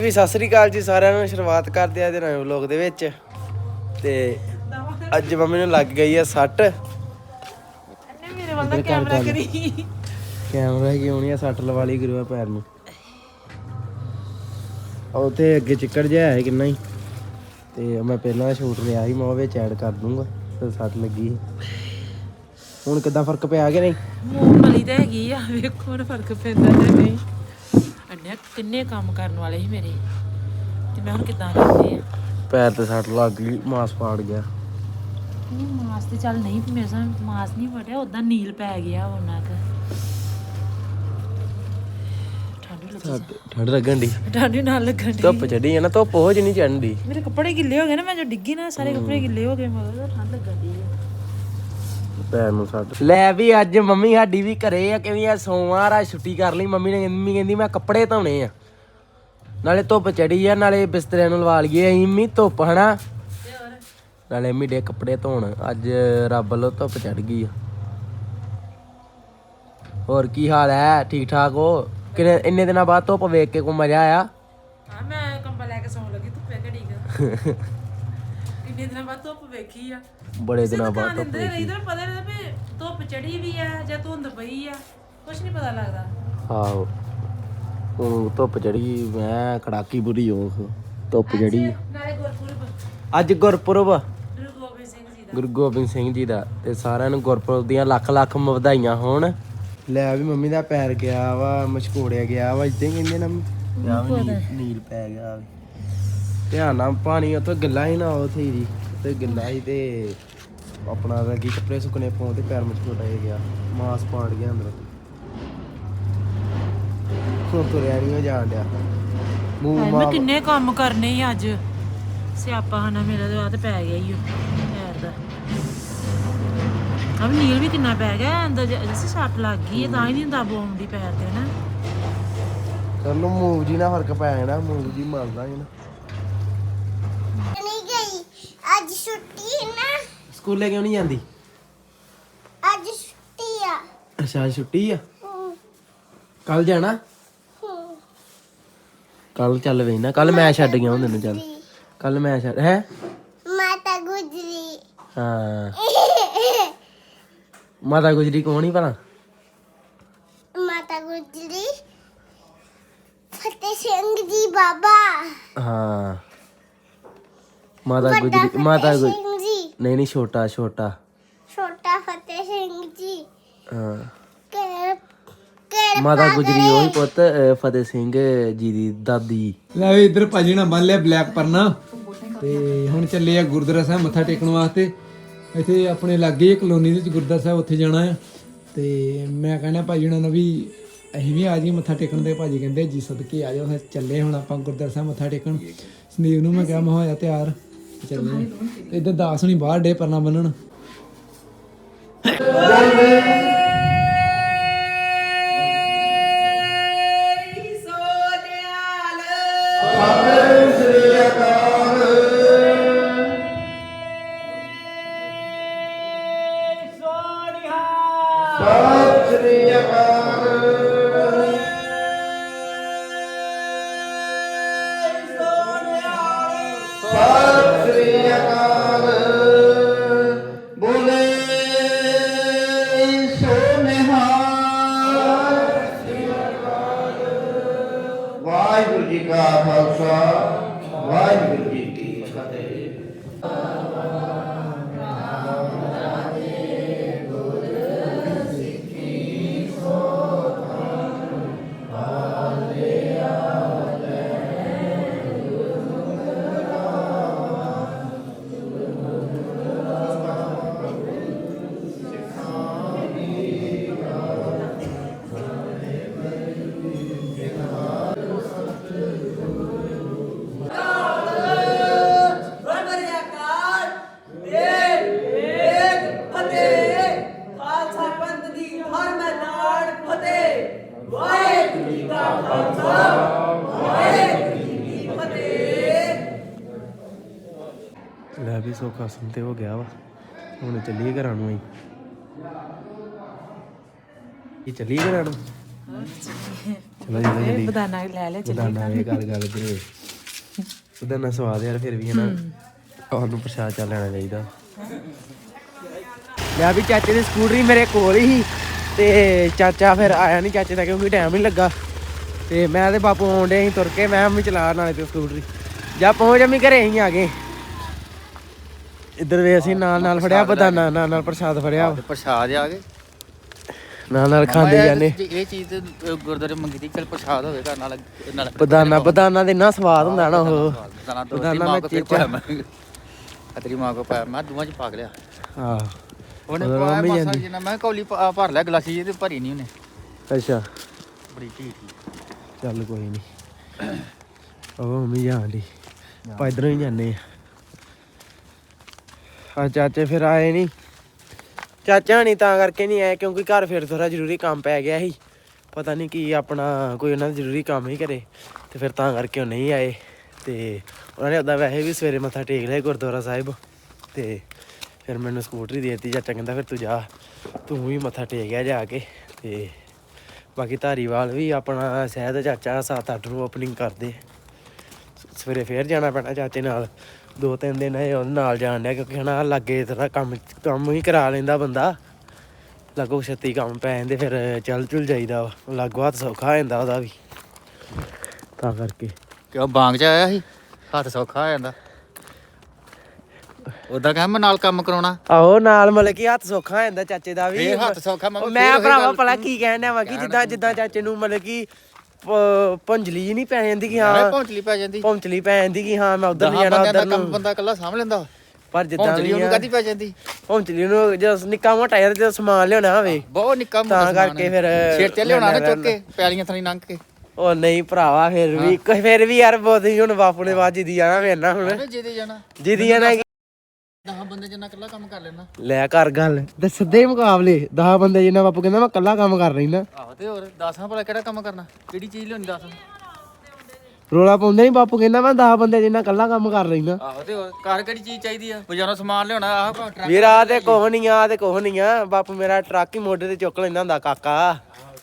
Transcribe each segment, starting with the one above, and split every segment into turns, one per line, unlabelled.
ਵੀ ਸਤਿ ਸ੍ਰੀ ਅਕਾਲ ਜੀ ਸਾਰਿਆਂ ਨੂੰ। ਸ਼ੁਰੂਆਤ ਕਰਦੇ ਆ ਇਹਦੇ ਨਵੇਂ ਵਲੋਗ ਦੇ ਵਿੱਚ। ਤੇ ਅੱਜ ਮੰਮੀ ਨੂੰ ਲੱਗ ਗਈ ਆ ਸੱਟ।
ਮੇਰੇ ਵੱਲ ਦਾ ਕੈਮਰਾ ਕਰੀ
ਕੈਮਰਾ ਕਿਉਂ ਨਹੀਂ ਆ, ਸੱਟ ਲਵਾ ਲਈ ਗੁਰੂਆ ਪੈਰ ਨੂੰ। ਉੱਥੇ ਅੱਗੇ ਚਿੱਕੜ ਜਿਹਾ ਹੈ ਕਿੰਨਾ ਹੀ, ਤੇ ਮੈਂ ਪਹਿਲਾਂ ਸ਼ੂਟ ਲਿਆ ਸੀ, ਮੈਂ ਉਹ ਵਿੱਚ ਐਡ ਕਰ ਦੂੰਗਾ। ਤੇ ਸੱਟ ਲੱਗੀ ਸੀ। ਹੁਣ ਕਿੱਦਾਂ ਫਰਕ ਪਿਆ ਕਿ ਨਹੀਂ?
ਮੂੰਗਫਲੀ ਤਾਂ ਹੈਗੀ ਆ, ਵੇਖੋ ਹੁਣ ਫਰਕ ਪੈਂਦਾ ਜਾਂ ਨਹੀਂ। ਅੰਨਿਆ ਕਿੰਨੇ ਕੰਮ ਕਰਨ ਵਾਲੇ ਸੀ ਮੇਰੇ, ਤੇ ਮੈਂ ਹੁਣ ਕਿੱਦਾਂ ਕਰਨੇ ਆ।
ਪੈਰ ਤੇ ਸੱਟ ਲੱਗ ਗਈ, ਮਾਸ ਪਾੜ ਗਿਆ।
ਨਹੀਂ ਮਾਸ ਤੇ ਚੱਲ ਨਹੀਂ, ਮੇਰੇ ਸਾਹ ਮਾਸ ਨਹੀਂ ਫਟਿਆ, ਉਦਾਂ ਨੀਲ ਪੈ ਗਿਆ ਉਹਨਾਂ ਕ।
ਠੰਡ ਲੱਗਣ ਦੀ,
ਠੰਡ ਨਾਲ ਲੱਗਣ ਦੀ।
ਧੁੱਪ ਚੜੀ ਹੈ ਨਾ, ਧੁੱਪ ਉਹ ਜਿਹੀ ਨਹੀਂ ਚੜਨ ਦੀ।
ਮੇਰੇ ਕੱਪੜੇ ਗਿੱਲੇ ਹੋ ਗਏ ਨਾ, ਮੈਂ ਜੋ ਡਿੱਗੀ ਨਾ ਸਾਰੇ ਕੱਪੜੇ ਗਿੱਲੇ ਹੋ ਗਏ, ਮਗਰ ਠੰਡ ਲੱਗਣ ਦੀ
ਪੈਰ ਨੂੰ ਸੱਟ। ਲੈ ਵੀ ਅੱਜ ਮੰਮੀ ਸਾਡੀ ਵੀ ਘਰੇ ਆ, ਕਿਵੇਂ ਆ ਸੋਮਵਾਰ ਆ, ਛੁੱਟੀ ਕਰ ਲਈ ਮੰਮੀ ਨੇ। ਮੰਮੀ ਕਹਿੰਦੀ ਮੈਂ ਕੱਪੜੇ ਧੋਣੇ ਆ, ਨਾਲੇ ਧੁੱਪ ਚੜੀ ਆ, ਨਾਲੇ ਬਿਸਤਰਿਆਂ ਨੂੰ ਲਵਾ ਲਈਏ ਅਸੀਂ ਵੀ ਧੁੱਪ ਹਨਾ, ਨਾਲੇ ਮੰਮੀ ਡੇ ਕੱਪੜੇ ਧੋਣ। ਅੱਜ ਰੱਬ ਵੱਲੋਂ ਧੁੱਪ ਚੜ ਗਈ ਆ। ਹੋਰ ਕੀ ਹਾਲ ਹੈ? ਠੀਕ ਠਾਕ ਹੋ? ਕਿੰਨੇ ਇੰਨੇ ਦਿਨਾਂ ਬਾਅਦ ਧੁੱਪ ਵੇਖ ਕੇ ਕੋਈ ਮਜ਼ਾ ਆਇਆ?
ਹਾਂ ਮੈਂ ਕੰਬਲ ਲੈ ਕੇ ਸੌਣ ਲੱਗੀ, ਧੁੱਪੇ ਘੜੀ ਕ। ਕਿੰਨੇ ਦਿਨਾਂ ਬਾਅਦ ਧੁੱਪ ਵੇਖੀ ਆ,
ਬੜੇ ਦਿਨਾਂ ਬਾਅਦ ਧੁੱਪ ਵੇਖੀ।
ਪਤਾ ਲੱਗਦਾ ਵੀ ਧੁੱਪ ਚੜੀ ਵੀ ਆ ਜਾਂ ਧੁੰਦ ਪਈ ਆ, ਕੁਛ ਨਹੀਂ ਪਤਾ ਲੱਗਦਾ।
ਆਹੋ ਹੁਣ ਧੁੱਪ ਚੜੀ, ਮੈਂ ਕੜਾਕੀ ਬੁਰੀ ਹੋ ਧੁੱਪ ਚੜੀ।
ਨਾਲੇ ਗੁਰਪੁਰਬ,
ਅੱਜ ਗੁਰਪੁਰਬ
ਗੁਰੂ ਗੋਬਿੰਦ ਸਿੰਘ ਜੀ ਦਾ।
ਗੁਰੂ ਗੋਬਿੰਦ ਸਿੰਘ ਜੀ ਦਾ, ਤੇ ਸਾਰਿਆਂ ਨੂੰ ਗੁਰਪੁਰਬ ਦੀਆਂ ਲੱਖ ਲੱਖ ਵਧਾਈਆਂ ਹੋਣ। ਲੈ ਵੀ ਮੰਮੀ ਦਾ ਪੈਰ ਗਿਆ ਵਾ, ਮਸ਼ਕੋੜਿਆ ਗਿਆ ਵਾ, ਇਦਾਂ ਕਹਿੰਦੇ ਨਾ, ਨੀਲ ਪੈ ਗਿਆ। ਧਿਆਨ ਨਾਲ ਪਾਣੀ ਉੱਥੇ ਗਿੱਲਾ ਸੀ ਨਾ, ਉੱਥੇ ਹੀ ਤੇ ਗਿੱਲਾ ਸੀ, ਤੇ ਆਪਣਾ ਲੱਗੀ ਕੱਪੜੇ ਸੁੱਕਣੇ ਪਾਉਣ ਤੇ ਪੈਰ ਮਸ਼ਕੋੜਾ ਗਿਆ, ਮਾਸ ਪਾੜ ਗਿਆ ਅੰਦਰ। ਤੁਰਿਆ ਨਹੀਂ ਜਾਣ ਡਿਆ।
ਮੈਂ ਕਿੰਨੇ ਕੰਮ ਕਰਨੇ ਸੀ ਅੱਜ, ਸਿਆਪਾ ਹਨਾ ਮੇਰਾ ਤੇ ਆ ਤੇ ਪੈ ਗਿਆ ਹੀ ਪੈਰ ਦਾ। ਅਬ ਨੀਲ ਵੀ ਕਿੰਨਾ ਪੈ ਗਿਆ ਅੰਦਰ, ਜਿਵੇਂ ਸੱਟ ਲੱਗ ਗਈ ਹੈ ਤਾਂ ਹੀ ਨਹੀਂ ਦਬ ਆਉਂਦੀ ਪੈਰ ਤੇ ਨਾ।
ਚਲੋ ਮੂਵ ਜੀ ਨਾਲ ਫਰਕ ਪੈ ਜਾਣਾ, ਮੂਵ ਜੀ ਮਰਦਾ ਹੀ ਨਾ।
ਨਹੀਂ ਗਈ ਅੱਜ ਛੁੱਟੀ ਨਾ।
ਸਕੂਲੇ ਕਿਉਂ ਨਹੀਂ ਜਾਂਦੀ?
ਅੱਜ ਛੁੱਟੀ ਆ।
ਅੱਛਾ ਛੁੱਟੀ ਆ, ਕੱਲ ਜਾਣਾ? ਕੱਲ ਚੱਲ ਵੇ ਨਾ, ਕੱਲ ਮੈਂ ਛੱਡ ਗਿਆ ਤੈਨੂੰ। ਚੱਲ ਕੱਲ ਮੈਂ ਛੱਡ ਹੈ
ਮਾਤਾ ਗੁਜਰੀ।
ਹਾਂ ਮਾਤਾ ਗੁਜਰੀ ਕੌਣ ਹੀ ਭਲਾ?
ਮਾਤਾ ਗੁਜਰੀ ਫਤਿਹ ਸਿੰਘ ਜੀ ਬਾਬਾ।
ਹਾਂ ਮਾਤਾ ਗੁਜਰੀ, ਮਾਤਾ ਗੁਜਰੀ
ਸਿੰਘ ਜੀ,
ਨਹੀਂ ਛੋਟਾ ਛੋਟਾ
ਛੋਟਾ ਫਤਿਹ ਸਿੰਘ ਜੀ।
ਹਾਂ
ਕਿਹੜੇ
ਮਾਤਾ ਗੁਜਰੀ ਉਹੀ ਪੁੱਤ ਫਤਿਹ ਸਿੰਘ ਜੀ ਦੀ ਦਾਦੀ।
ਲੈ ਵੀ ਇੱਧਰ ਭਾਜੀ ਨਾਲ ਬੰਨ ਲਿਆ ਬਲੈਕ ਪਰਨਾ, ਤੇ ਹੁਣ ਚੱਲੇ ਆ ਗੁਰਦੁਆਰਾ ਸਾਹਿਬ ਮੱਥਾ ਟੇਕਣ ਵਾਸਤੇ। ਇੱਥੇ ਆਪਣੇ ਲਾਗੇ ਕਲੋਨੀ ਦੇ ਵਿੱਚ ਗੁਰਦੁਆਰਾ ਸਾਹਿਬ, ਉੱਥੇ ਜਾਣਾ ਆ। ਤੇ ਮੈਂ ਕਹਿੰਦਾ ਭਾਜੀ ਉਹਨਾਂ ਨੂੰ ਵੀ ਅਸੀਂ ਵੀ ਆ ਜਾਈਏ ਮੱਥਾ ਟੇਕਣ, ਤੇ ਭਾਜੀ ਕਹਿੰਦੇ ਜੀ ਸਦਕੇ ਆ ਜਾਓ। ਫਿਰ ਚੱਲੇ ਹੁਣ ਆਪਾਂ ਗੁਰਦੁਆਰਾ ਸਾਹਿਬ ਮੱਥਾ ਟੇਕਣ। ਸੰਦੀਪ ਨੂੰ ਮੈਂ ਕਿਹਾ ਮੈਂ ਹੋਇਆ ਤਿਆਰ, ਚੱਲੇ। ਇੱਧਰ ਦਾਸ ਹੁਣੀ ਬਾਹਰ ਡੇ ਪਰਨਾ ਬੰਨਣ।
ਵਾਹਿਗੁਰੂ ਜੀ ਕਾ ਖਾਲਸਾ, ਵਾਹਿਗੁਰੂ ਜੀ ਕੀ ਫਤਿਹ।
ਲੈ ਵੀ ਸੌਖਾ ਸੁਣ ਤੇ ਹੋ ਗਿਆ ਵਾ, ਹੁਣ ਚੱਲੀਏ ਘਰਾਂ ਨੂੰ। ਇਹ ਚੱਲੀਏ ਘਰਾਂ ਨੂੰ। ਚਲੋ ਜਲਦੀ
ਬਦਾਨਾ ਲੈ ਲੈ ਚੱਲੀ
ਬਦਾਨਾ ਇਹ ਗੱਲ ਕਰੇ ਬਦਾਨਾ ਸਵਾਦ ਯਾਰ ਫਿਰ ਵੀ ਹੈ ਨਾ ਉਹਨੂੰ ਪ੍ਰਸ਼ਾਦ ਚਾ ਲੈਣਾ ਚਾਹੀਦਾ। ਮੈਂ ਵੀ ਚਾਚੇ ਦੀ ਸਕੂਟਰੀ ਮੇਰੇ ਕੋਲ ਹੀ ਤੇ ਚਾਚਾ ਫਿਰ ਆਇਆ ਨਹੀਂ ਚਾਚੇ ਦਾ ਕਿਉਂਕਿ ਟਾਈਮ ਨਹੀਂ ਲੱਗਾ ਤੇ ਮੈਂ ਤੇ ਬਾਪੂ ਆਉਂਦੇ ਅਸੀਂ ਤੁਰ ਕੇ ਮੈਂ ਵੀ ਚਲਾ ਨਾਲੇ ਤੇ ਸਕੂਟਰੀ ਜਾਂ ਪਹੁੰਚ ਜਮੀ ਘਰੇ ਅਸੀਂ ਆ ਗਏ। ਇੱਧਰ ਵੇ ਅਸੀਂ ਨਾਲ ਫੜਿਆ ਬਦਾਨਾ ਨਾਲ ਪ੍ਰਸ਼ਾਦ ਫੜਿਆ
ਪ੍ਰਸ਼ਾਦ ਆ ਗਏ
ਨਾਲ ਖਾਂਦੇ ਜਾਂਦੇ।
ਇਹ ਚੀਜ਼ ਤੇ ਗੁਰਦੁਆਰੇ ਮੰਗੀ ਤੀ ਚਲ ਪ੍ਰਸ਼ਾਦ ਹੋਵੇ ਘਰ ਨਾਲ
ਬਦਾਨਾ ਦੇ ਇੰਨਾ ਸਵਾਦ ਹੁੰਦਾ ਨਾ ਉਹ
ਬਦਾਨਾ ਮੈਂ ਚੇਚਾ ਤੇਰੀ ਮਾਂ ਕੋ ਪਾਇਆ ਮੈਂ ਦੋਵਾਂ ਚ ਪਾ ਲਿਆ
ਹਾਂ
ਉਹਨੇ ਪਾਇਆ ਮਾਸਾ ਜਿੰਨਾ ਮੈਂ ਕੌਲੀ ਭਰ ਲਿਆ ਗਲਾਸੀ ਜਿਹੀ ਤੇ ਭਰੀ ਨਹੀਂ ਉਹਨੇ
ਅੱਛਾ
ਬੜੀ ਢੀਠ
ਚੱਲ ਕੋਈ ਨਹੀਂ ਉਹ ਮੰਮੀ ਜਾਂਦੀ ਆਪਾਂ ਇੱਧਰੋਂ ਹੀ ਜਾਂਦੇ ਆ ਚਾਚੇ ਫਿਰ ਆਏ ਨਹੀਂ ਚਾਚਾ ਨਹੀਂ ਤਾਂ ਕਰਕੇ ਨਹੀਂ ਆਏ ਕਿਉਂਕਿ ਘਰ ਫਿਰ ਥੋੜਾ ਜ਼ਰੂਰੀ ਕੰਮ ਪੈ ਗਿਆ ਸੀ ਪਤਾ ਨਹੀਂ ਕੀ ਆਪਣਾ ਕੋਈ ਉਹਨਾਂ ਦਾ ਜ਼ਰੂਰੀ ਕੰਮ ਹੀ ਕਰੇ ਤੇ ਫਿਰ ਤਾਂ ਕਰਕੇ ਉਹ ਨਹੀਂ ਆਏ ਤੇ ਉਹਨਾਂ ਨੇ ਉੱਦਾਂ ਵੈਸੇ ਵੀ ਸਵੇਰੇ ਮੱਥਾ ਟੇਕ ਲਿਆ ਗੁਰਦੁਆਰਾ ਸਾਹਿਬ ਤੇ ਫਿਰ ਮੈਨੂੰ ਸਕੂਟਰੀ ਦੇ ਦਿੱਤੀ ਚਾਚਾ ਕਹਿੰਦਾ ਫਿਰ ਤੂੰ ਜਾ ਤੂੰ ਵੀ ਮੱਥਾ ਟੇਕਿਆ ਜਾ ਕੇ ਤੇ ਬਾਕੀ ਧਾਰੀਵਾਲ ਵੀ ਆਪਣਾ ਸ਼ਾਇਦ ਚਾਚਾ 7-8 ਨੂੰ ਓਪਨਿੰਗ ਕਰਦੇ ਸਵੇਰੇ ਫੇਰ ਜਾਣਾ ਪੈਣਾ ਚਾਚੇ ਨਾਲ 2-3 ਦਿਨ ਇਹ ਉਹਦੇ ਨਾਲ ਜਾਣ ਡਿਆ ਕਿਉਂਕਿ ਹਨਾ ਲਾਗੇ ਥੋੜਾ ਕੰਮ ਹੀ ਕਰਾ ਲੈਂਦਾ ਬੰਦਾ ਲਾਗੋ ਛੇਤੀ ਕੰਮ ਪੈ ਜਾਂਦੇ ਫਿਰ ਚੱਲ ਚੁਲ ਜਾਈਦਾ ਵਾ ਲਾਗੋ ਹੱਥ ਸੌਖਾ ਹੋ ਜਾਂਦਾ ਉਹਦਾ ਵੀ ਤਾਂ ਕਰਕੇ
ਕਿਉਂ ਬਾਂਗ ਚ ਆਇਆ ਸੀ ਹੱਥ ਸੌਖਾ ਹੋ ਜਾਂਦਾ ਉਦਾਂ ਕਹਾਂ ਮੈਂ ਨਾਲ ਕੰਮ ਕਰਾਉਣਾ
ਆਹੋ ਨਾਲ ਮਤਲਬ ਕਿ ਹੱਥ ਸੌਖਾ ਹੋ ਜਾਂਦਾ ਚਾਚੇ ਦਾ ਵੀ
ਫੇਰ ਹੱਥ ਸੌਖਾ
ਮੈਂ ਭਰਾਵਾ ਭਲਾ ਕੀ ਕਹਿਣ ਡਿਆ ਵਾ ਕਿ ਜਿੱਦਾਂ ਚਾਚੇ ਨੂੰ ਮਤਲਬ ਕਿ ਭੁੰਜਲੀ ਜੀ ਨਹੀਂ ਪੈ ਜਾਂਦੀ ਕਿ ਹਾਂ
ਪਹੁੰਚਲੀ ਪੈ ਜਾਂਦੀ
ਪਹੁੰਚਲੀ ਪੈ ਜਾਂਦੀ ਕਿ ਹਾਂ ਮੈਂ ਉਧਰ ਨਹੀਂ ਜਾਣਾ ਉਧਰ ਨੂੰ
ਬੰਦਾ ਇਕੱਲਾ ਸਾਂਭ ਲੈਂਦਾ
ਪਰ ਜਿੱਦਾਂ
ਪਹੁੰਚਲੀ ਉਹਨੂੰ ਕਾਹਦੀ ਪੈ ਜਾਂਦੀ
ਪਹੁੰਚਲੀ ਨੂੰ ਜਦੋਂ ਨਿੱਕਾ ਮੋਟਾ ਯਾਰ ਜਦੋਂ ਸਮਾਨ ਲਿਆਉਣਾ ਹੋਵੇ
ਬਹੁਤ ਨਿੱਕਾ
ਤਾਂ ਕਰਕੇ ਫਿਰ
ਸਿਰ ਤੇ ਲਿਆਉਣਾ ਨਾ ਚੁੱਕ ਕੇ ਪੈਲੀਆਂ ਥਣੀ ਲੰਘ ਕੇ
ਉਹ ਨਹੀਂ ਭਰਾਵਾ ਫਿਰ ਵੀ ਯਾਰ ਬਹੁਤ ਹੀ ਹੁਣ ਬਾਪੂ ਨੇ ਬਾਅਦ ਜਿੱਦੀ ਜਾਣਾ ਫਿਰ ਨਾ ਹੁਣ
ਜਿਹਦੇ ਜਾਣਾ
ਜਿੱਦੀ ਜਾਣਾ
10 ਬੰਦੇ ਜਿੰਨਾ ਇਕੱਲਾ ਕੰਮ ਕਰ ਲੈਣਾ
ਲੈ ਕਰ ਗੱਲ ਤੇ ਸਿੱਧੇ ਮੁਕਾਬਲੇ 10 ਬੰਦੇ ਜਿੰਨਾ ਬਾਪੂ ਕਹਿੰਦਾ ਮੈਂ ਇਕੱਲਾ ਕੰਮ ਕਰ ਰਹੀ ਨਾ
ਆਹੋ ਤੇ ਹੋਰ 10 ਭਲਾ ਕਿਹੜਾ ਕੰਮ ਕਰਨਾ ਕਿਹੜੀ ਚੀਜ਼ ਲਿਆਉਣੀ 10
ਰੋਲਾ ਪਾਉਂਦੇ ਨਹੀਂ ਬਾਪੂ ਕਹਿੰਦਾ ਮੈਂ 10 ਬੰਦੇ ਜਿੰਨਾ ਇਕੱਲਾ ਕੰਮ ਕਰ ਰਹੀ ਨਾ
ਆਹੋ ਤੇ ਹੋਰ ਘਰ ਕਿਹੜੀ ਚੀਜ਼ ਚਾਹੀਦੀ ਆ ਬਾਜ਼ਾਰੋਂ ਸਮਾਨ ਲਿਆਉਣਾ ਆਹ ਟਰੱਕ
ਵੀਰ ਆ ਤੇ ਕੁਛ ਨਹੀਂ ਆ ਬਾਪੂ ਮੇਰਾ ਟਰੱਕ ਹੀ ਮੋਢੇ ਤੇ ਚੁੱਕ ਲੈਂਦਾ ਹੁੰਦਾ ਕਾਕਾ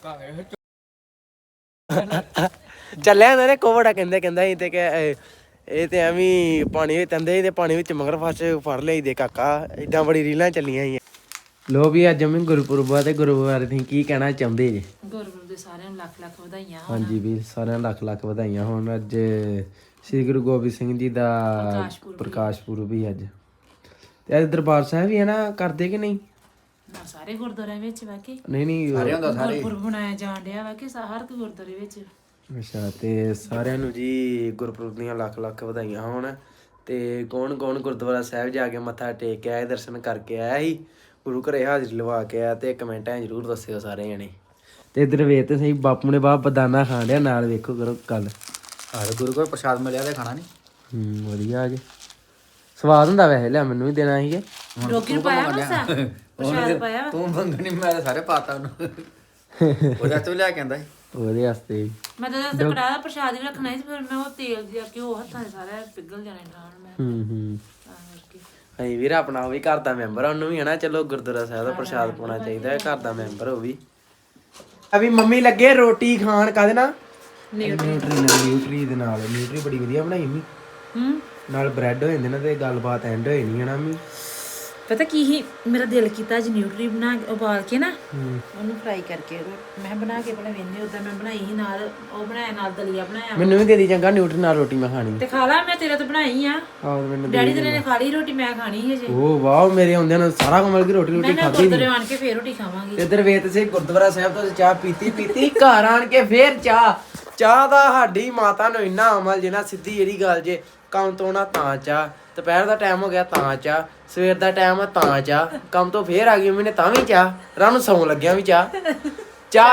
ਚੱਲਿਆ ਇਹਨਾਂ ਨੇ ਕੋਵੜਾ ਕਹਿੰਦਾ ਸੀ ਤੇ ਕਿ ਇਹ ਤੇ ਐਵੇਂ ਪਾਣੀ ਵਿੱਚ ਤੰਦੇ ਤੇ ਪਾਣੀ ਵਿੱਚ ਮਗਰ ਫੜ ਲਈ ਦੇ ਕਾਕਾ ਏਦਾਂ ਬੜੀ ਰੀਲਾਂ ਚੱਲੀਆਂ ਸੀ ਲੋ ਵੀ ਅੱਜ ਮੈਂ ਗੁਰਪੁਰਬ ਤੇ ਗੁਰੂ ਬਾਰੇ ਤੁਸੀਂ ਕੀ ਕਹਿਣਾ ਚਾਹੁੰਦੇ ਜੀ
ਗੁਰਪੁਰਬ ਦੇ ਸਾਰਿਆਂ ਨੂੰ ਲੱਖ ਲੱਖ ਵਧਾਈਆਂ
ਹਾਂਜੀ ਵੀ ਸਾਰਿਆਂ ਨੂੰ ਲੱਖ ਵਧਾਈਆਂ ਹੋਣ ਅੱਜ ਸ੍ਰੀ ਗੁਰੂ ਗੋਬਿੰਦ ਸਿੰਘ ਜੀ ਦਾ ਪ੍ਰਕਾਸ਼ ਪੁਰਬ ਵੀ ਅੱਜ ਤੇ ਅੱਜ ਦਰਬਾਰ ਸਾਹਿਬ ਵੀ ਹੈ ਨਾ ਕਰਦੇ ਕਿ ਨਹੀਂ
ਨਾ ਸਾਰੇ ਗੁਰਦੁਆਰਿਆਂ ਵਿੱਚ ਵਾ ਕੇ
ਨਹੀਂ
ਗੁਰਪੁਰਬ ਮਨਾਇਆ ਜਾਣ ਡਿਆ ਵਾ ਕਿ ਹਰ ਗੁਰਦੁਆਰੇ ਵਿੱਚ
ਅੱਛਾ ਤੇ ਸਾਰਿਆਂ ਨੂੰ ਜੀ ਗੁਰਪੁਰਬ ਦੀਆਂ ਲੱਖ ਵਧਾਈਆਂ ਹੋਣ ਤੇ ਕੌਣ ਗੁਰਦੁਆਰਾ ਸਾਹਿਬ ਜਾ ਕੇ ਮੱਥਾ ਟੇਕ ਕੇ ਆਏ ਦਰਸ਼ਨ ਕਰਕੇ ਆਇਆ ਸੀ ਗੁਰੂ ਘਰੇ ਹਾਜ਼ਰੀ ਲਵਾ ਕੇ ਆਇਆ ਤੇ ਕਮੈਂਟਾਂ ਜ਼ਰੂਰ ਦੱਸਿਓ ਸਾਰੇ ਜਣੇ ਤੇ ਇਧਰ ਵੇਖ ਤੇ ਸਹੀ ਬਾਪੂ ਨੇ ਬਾਪ ਬਦਾਨਾ ਖਾਣ ਡਿਆ ਨਾਲ ਵੇਖੋ ਕਰੋ ਕੱਲ
ਆਹ ਗੁਰੂ ਕੋਲ ਪ੍ਰਸ਼ਾਦ ਮਿਲਿਆ ਤੇ ਖਾਣਾ ਨਹੀਂ
ਵਧੀਆ ਜੀ ਸਵਾਦ ਹੁੰਦਾ ਵੈਸੇ ਲਿਆ ਮੈਨੂੰ ਵੀ ਦੇਣਾ ਸੀਗੇ
ਰੋਗੀ ਨੂੰ ਪਾਇਆ ਮਸਾ ਪ੍ਰਸ਼ਾਦ ਪਾਇਆ
ਤੂੰ ਮੰਗਣੀ ਮੈਂ ਸਾਰੇ ਪਾਤਾ ਉਹਨੂੰ ਉਹਦਾ ਤੂੰ ਲਿਆ ਕੇ ਆਂਦਾ
ਉਹਦੇ ਵਾਸਤੇ
ਮੈਂ ਤਾਂ ਦੱਸ ਕੜਾ ਦਾ ਪ੍ਰਸ਼ਾਦ ਵੀ ਰੱਖਣਾ ਸੀ ਫਿਰ ਮੈਂ ਉਹ ਤੇਲ ਜਿਹਾ ਘਿਓ ਹੱਥਾਂ 'ਚ ਸਾਰਾ ਪਿਘਲ ਜਾਣਾ ਨਾਲ ਮੈਂ ਤਾਂ ਕਰਕੇ
ਅਸੀਂ ਵੀਰ ਆਪਣਾ ਉਹ ਵੀ ਘਰ ਦਾ ਮੈਂਬਰ ਆ ਉਹਨੂੰ ਵੀ ਹਨਾ ਚਲੋ ਗੁਰਦੁਆਰਾ ਸਾਹਿਬ ਦਾ ਪ੍ਰਸ਼ਾਦ ਪਾਉਣਾ ਚਾਹੀਦਾ ਹੈ ਘਰ ਦਾ ਮੈਂਬਰ ਉਹ ਵੀ ਅਭੀ ਮੰਮੀ ਲੱਗੇ ਰੋਟੀ ਖਾਣ ਕਾਹਦੇ ਨਾਲ ਨਿਊਟਰੀ ਦੇ ਨਾਲ ਨਿਊਟਰੀ ਬੜੀ ਵਧੀਆ ਬਣਾਈ ਮੰਮੀ ਨਾਲ ਬ੍ਰੈਡ ਹੋ ਜਾਂਦੇ ਨਾ ਤੇ ਗੱਲਬਾਤ ਐਂਡ ਹੋਈ ਨਹੀਂ ਹਨਾ ਮੰਮੀ
ਪਤਾ ਕੀ ਹੀ ਮੇਰਾ ਦਿਲ ਕੀਤਾ ਅੱਜ ਨਿਊਟਰੀ ਬਣਾ ਕੇ ਉਬਾਲ ਕੇ ਨਾ ਉਹਨੂੰ ਫਰਾਈ ਕਰਕੇ ਮੈਂ ਬਣਾ ਕੇ ਪਹਿਲਾਂ ਵੇਂਦੇ ਉਦਾਂ ਮੈਂ ਬਣਾਈ ਸੀ ਨਾਲ ਉਹ ਬਣਾਇਆ ਨਾਲ ਦਲੀਆ ਬਣਾਇਆ
ਮੈਨੂੰ ਵੀ ਦੇ ਦੀ ਚੰਗਾ ਨਿਊਟਰੀ ਨਾਲ ਰੋਟੀ ਮੈਂ ਖਾਣੀ
ਤੇ ਖਾ ਲਾ ਮੈਂ ਤੇਰੇ ਤੋਂ ਬਣਾਈ ਆ
ਆਹ ਮੈਨੂੰ
ਡੈਡੀ ਤੇਰੇ ਨੇ ਖਾ ਲਈ ਰੋਟੀ ਮੈਂ ਖਾਣੀ ਸੀ ਅਜੇ
ਉਹ ਵਾਹ ਮੇਰੇ ਆਉਂਦਿਆਂ ਨੂੰ ਸਾਰਾ ਕਮਲ ਕੀ ਰੋਟੀ
ਮੈਂ
ਖਾਧੀ
ਗੁਰਦੁਆਰੇ ਆਣ ਕੇ ਫੇਰ ਰੋਟੀ ਖਾਵਾਂਗੀ
ਇੱਧਰ ਵੇਤ ਸੇ ਗੁਰਦੁਆਰਾ ਸਾਹਿਬ ਤੋਂ ਚਾਹ ਪੀਤੀ ਘਰ ਆਣ ਕੇ ਫੇਰ ਚਾਹ ਦਾ ਸਾਡੀ ਮਾਤਾ ਨੂੰ ਇੰਨਾ ਅਮਲ ਜਿਨਾ ਸਿੱਧੀ ਜਿਹੜੀ ਗੱਲ ਜੇ ਕੰਮ ਤੋਂ ਨਾ ਤਾਂ ਚਾਹ ਦੁਪਹਿਰ ਦਾ ਟਾਈਮ ਹੋ ਗਿਆ ਤਾਂ ਚਾਹ ਸਵੇਰ ਦਾ ਟਾਈਮ ਆ ਤਾਂ ਚਾਹ ਕੰਮ ਤੋਂ ਫੇਰ ਆ ਗਈ ਮੈਨੇ ਤਾਂ ਵੀ ਚਾਹ ਰਾਤ ਨੂੰ ਸੌਣ ਲੱਗਿਆ ਵੀ ਚਾਹ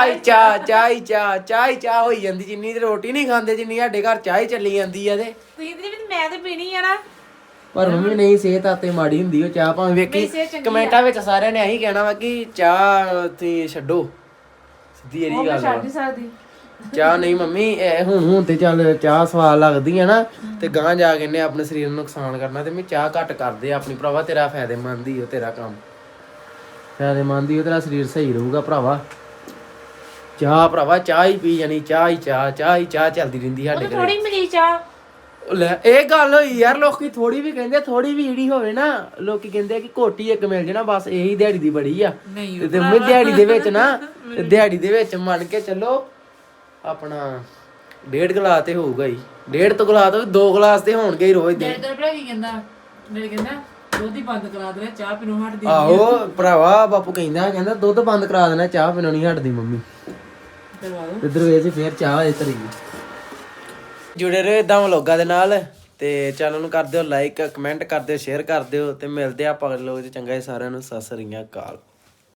ਹੋਈ ਜਾਂਦੀ ਜਿੰਨੀ ਤੇ ਰੋਟੀ ਨਹੀਂ ਖਾਂਦੇ ਜਿੰਨੀ ਸਾਡੇ ਘਰ ਚਾਹ ਹੀ ਚੱਲੀ ਜਾਂਦੀ ਆ ਤੇ
ਮੈਂ ਤੇ ਪੀਣੀ ਆ ਨਾ
ਪਰ ਮੰਮੀ ਨਹੀਂ ਸਿਹਤ ਆਤੇ ਮਾੜੀ ਹੁੰਦੀ ਉਹ ਚਾਹ ਭਾਵੇਂ ਵੇਖੀ ਕਮੈਂਟਾਂ ਵਿੱਚ ਸਾਰਿਆਂ ਨੇ ਇਹੀ ਕਹਿਣਾ ਵਾ ਕਿ ਚਾਹ ਤੁਸੀਂ ਛੱਡੋ ਸਿੱਧੀ ਇਹੀ ਗੱਲ
ਛੱਡ ਨਹੀਂ ਸਕਦੀ
ਚਾਹ ਨਹੀਂ ਮੰਮੀ ਹੁਣ ਤੇ ਚੱਲ ਚਾਹ ਸਵਾਦ ਲੱਗਦੀ ਹੈ ਨਾ ਤੇ ਗਾਂ ਜਾ ਕੇ ਨੇ ਆਪਣੇ ਸਰੀਰ ਨੂੰ ਨੁਕਸਾਨ ਕਰਨਾ ਤੇ ਮੈਂ ਚਾਹ ਘੱਟ ਕਰਦੇ ਆਪਣੀ ਭਰਾਵਾ ਤੇਰਾ ਫਾਇਦੇਮੰਦ ਹੀ ਉਹ ਤੇਰਾ ਕੰਮ ਫਾਇਦੇਮੰਦ ਹੀ ਉਹ ਤੇਰਾ ਸਰੀਰ ਸਹੀ ਰਹੂਗਾ ਭਰਾਵਾ ਚਾਹ ਭਰਾਵਾ ਚਾਹ ਹੀ ਪੀ ਜਾਣੀ, ਚਾਹ ਹੀ ਚਾਹ ਚੱਲਦੀ ਰਹਿੰਦੀ ਸਾਡੇ ਘਰੇ।
ਥੋੜੀ ਮਿਲੀ ਚਾਹ।
ਉਹ ਲੈ ਇਹ ਗੱਲ ਹੋਈ ਯਾਰ, ਲੋਕੀ ਥੋੜੀ ਵੀ ਕਹਿੰਦੇ, ਥੋੜੀ ਵੀ ਜਿਹੜੀ ਹੋਵੇ ਨਾ, ਲੋਕੀ ਕਹਿੰਦੇ ਆ ਕਿ ਘੋਟੀ ਇੱਕ ਮਿਲ ਜਾਣਾ ਬਸ ਇਹੀ ਦਿਹਾੜੀ ਦੀ ਬੜੀ ਆ। ਤੇ ਮੈਂ ਦਿਹਾੜੀ ਦੇ ਵਿੱਚ ਨਾ, ਦਿਹਾੜੀ ਦੇ ਵਿੱਚ ਮੰਨ ਕੇ ਚੱਲੋ ਆਪਣਾ 1.5 ਗਲਾਸ ਤੇ ਹੋਊਗਾ ਹੀ, 1.5 ਤੋਂ ਗਲਾਸ ਤੋਂ 2 ਗਲਾਸ ਤੇ ਹੋਣਗੇ ਹੀ ਰੋਜ਼ ਦੇ।
ਤੇਰੇ ਭਰਾ ਕੀ ਕਹਿੰਦਾ? ਮੇਰੇ ਕਹਿੰਦਾ ਦੁੱਧ ਹੀ ਬੰਦ ਕਰਾ ਦੇ, ਚਾਹ ਪੀਣੋਂ ਹਟਦੀ।
ਆਹੋ ਭਰਾਵਾ ਬਾਪੂ ਕਹਿੰਦਾ ਦੁੱਧ ਬੰਦ ਕਰਾ ਦੇਣਾ, ਚਾਹ ਪੀਣੋਂ ਨਹੀਂ ਹਟਦੀ ਮੰਮੀ। ਇੱਧਰ ਵੇਚ ਫੇਰ ਚਾਹ ਹੋਏ ਧਰੀ। ਜੁੜੇ ਰਹੋ ਇਦਾਂ ਵਲੋਗਾਂ ਦੇ ਨਾਲ, ਤੇ ਚੈਨਲ ਨੂੰ ਕਰ ਦਿਓ ਲਾਈਕ, ਕਮੈਂਟ ਕਰ ਦਿਓ, ਸ਼ੇਅਰ ਕਰ ਦਿਓ, ਤੇ ਮਿਲਦੇ ਆ ਆਪਾਂ ਅਗਲੇ ਵਲੋਗ 'ਚ। ਚੰਗਾ ਜੀ ਸਾਰਿਆਂ ਨੂੰ, ਸਤਿ ਸ੍ਰੀ ਅਕਾਲ।